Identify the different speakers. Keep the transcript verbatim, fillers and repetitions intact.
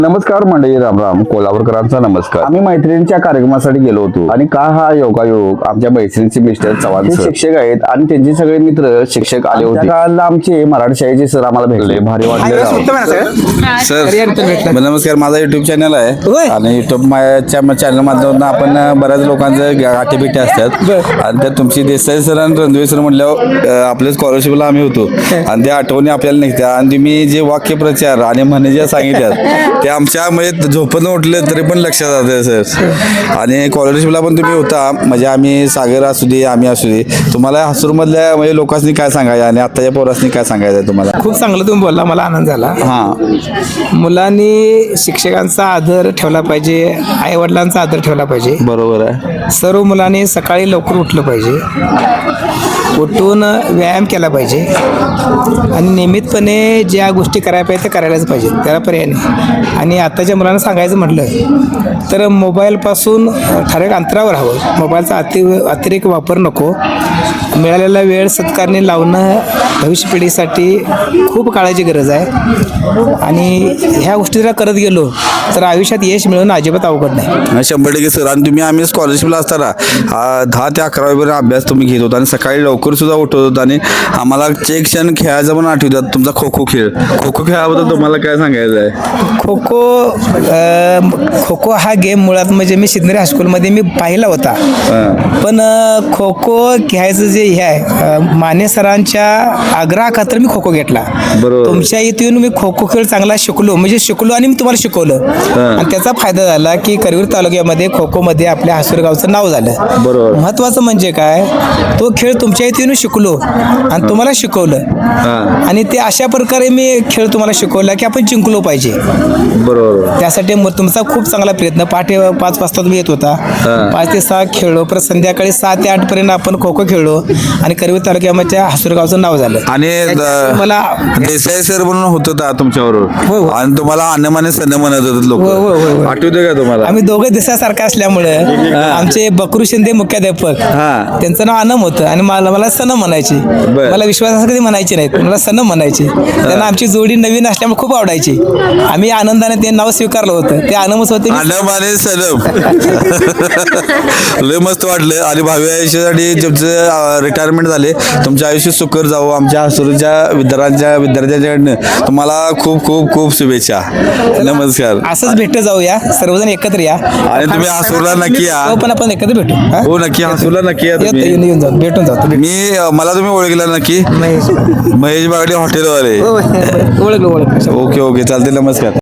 Speaker 1: नमस्कार मंडळी, राम राम. कोल्हापूरकरांचा नमस्कार. आम्ही मैत्रिणींच्या कार्यक्रमासाठी गेलो होतो आणि का हा योगायोग आमच्या मैत्रिणीचे मिस्टर चव्हाण सर शिक्षक आहेत आणि त्यांचे सगळे मित्र शिक्षक आले होते. काल आमचे मराठी शाळेचे सर आम्हाला भेटले, भारी वाटले.
Speaker 2: सर नमस्कार, माझा युट्यूब चॅनल आहे आणि युट्यूब चॅनल माध्यमातून आपण बऱ्याच लोकांचं गाठी भेटी असतात आणि त्यात तुमची देसाई सर आणि रणधीर सर म्हणल्यावर आपल्या स्कॉलरशिपला आम्ही होतो आणि त्या आठवणी आपल्याला निघत्या आणि तुम्ही जे वाक्यप्रचार आणि म्हणे ज्या सांगितल्यात ते आमच्या म्हणजे झोपत उठले तरी पण लक्षात जाते सर. आणि स्कॉलरशिपला पण तुम्ही होता, म्हणजे आम्ही सागर असू दे आम्ही असू दे, तुम्हाला हसूरमधल्या म्हणजे लोकांनी काय सांगायचं आणि आत्ताच्या पोरासनी काय सांगायचं तुम्हाला?
Speaker 3: खूप चांगलं तुम्ही बोलला, मला आनंद झाला.
Speaker 2: हां,
Speaker 3: मुलांनी शिक्षकांचा आदर ठेवला पाहिजे, आई वडिलांचा आदर ठेवला पाहिजे.
Speaker 2: बरोबर आहे.
Speaker 3: सर्व मुलांनी सकाळी लवकर उठलं पाहिजे, उठून व्यायाम केला पाहिजे आणि नियमितपणे ज्या गोष्टी करायला पाहिजे त्या करायलाच पाहिजे, त्याला पर्याय नाही. आणि आत्ताच्या मुलांना सांगायचं म्हटलं तर मोबाईलपासून ठराविक अंतरावर हवं. मोबाईलचा अति अतिरेक वापर नको. मिळालेला वेळ सत्कारने लावणं भविष्य पिढीसाठी खूप काळाची गरज आहे आणि ह्या गोष्टी जर करत गेलो तर आयुष्यात यश मिळवणं अजिबात अवघड नाही.
Speaker 2: शंभर टक्के सर. आणि तुम्ही आम्ही स्कॉलरशिपला असताना आ, दहा ते अकरावीपर्यंत अभ्यास तुम्ही घेत होता आणि सकाळी लवकर सुद्धा उठत होता आणि आम्हाला चेक क्षण खेळायचं पण आठवतात. तुमचा खो खो खेळ खो खो खेळाबद्दल तुम्हाला काय सांगायचं आहे?
Speaker 3: खो खो खो खो हा गेम मुळात म्हणजे मी सिद्धनेरी हायस्कूलमध्ये मी पाहिला होता, पण खो खो खेळायचं जे हे आहे माने सरांच्या आग्रहाखातर मी खो खो घेतला.
Speaker 2: बरोबर.
Speaker 3: तुमच्या इथून मी खो खो खेळ चांगला शिकलो, म्हणजे शिकलो आणि मी तुम्हाला शिकवलं आणि त्याचा फायदा झाला की करवीर तालुक्यामध्ये खो खो मध्ये आपल्या हासूर गावचं नाव झालं.
Speaker 2: बरोबर.
Speaker 3: महत्वाचं म्हणजे काय, तो खेळ तुमच्या इथून शिकलो आणि तुम्हाला शिकवलं आणि ते अशा प्रकारे मी खेळ तुम्हाला शिकवला की आपण जिंकलो पाहिजे.
Speaker 2: बरोबर.
Speaker 3: त्यासाठी मग तुमचा खूप चांगला प्रयत्न. पहाटे पाच वाजता तुम्ही येत होता, पाच ते सहा खेळलो, परत संध्याकाळी सहा ते आठ पर्यंत आपण खो खो खेळलो आणि करवीर तालुक्यामध्ये हासूर गावचं नाव झालं.
Speaker 2: आणि
Speaker 3: मला
Speaker 2: देसाई सर म्हणून होत होता तुमच्याबरोबर
Speaker 3: हो, हो.
Speaker 2: आणि तुम्हाला अन्नमाने सन्न म्हणत होते लोक,
Speaker 3: हो, हो, हो, हो.
Speaker 2: आठवते का तुम्हाला?
Speaker 3: आम्ही दोघं दिसासारखं असल्यामुळे आमचे बकरू शिंदे मुख्याध्यापक,
Speaker 2: हा.
Speaker 3: त्यांचं नाव अनम होतं आणि मला मला सनम म्हणायचे. मला विश्वास कधी म्हणायचे नाहीत, मला सनम म्हणायचे. त्यांना आमची जोडी नवीन असल्यामुळे खूप आवडायची. आम्ही आनंदाने ते नाव स्वीकारलं होतं, ते अनमच होते.
Speaker 2: अन्नमाने सनम लय मस्त वाटलं. आणि भावी आयुष्यासाठी तुमचं रिटायरमेंट झाले, तुमचं आयुष्य सुकर जावो. आमच्या हसूरच्या विद्यार्थ्यांच्या विद्यार्थ्यांच्याकडनं तुम्हाला खूप खूप खूप शुभेच्छा. नमस्कार.
Speaker 3: असंच भेट जाऊया, सर्वजण एकत्र या
Speaker 2: आणि तुम्ही हसूरला नक्की या.
Speaker 3: हो, पण आपण एकत्र भेटू. हा?
Speaker 2: हो नक्की, हसूरला नक्की या तुम्ही.
Speaker 3: येऊन येऊन जाऊ, भेटून जातो.
Speaker 2: मी मला तुम्ही ओळखला नक्की?
Speaker 3: महेश
Speaker 2: महेश बागडे हॉटेलवाले.
Speaker 3: ओळखलं ओळखलं.
Speaker 2: ओके ओके, चालते. नमस्कार.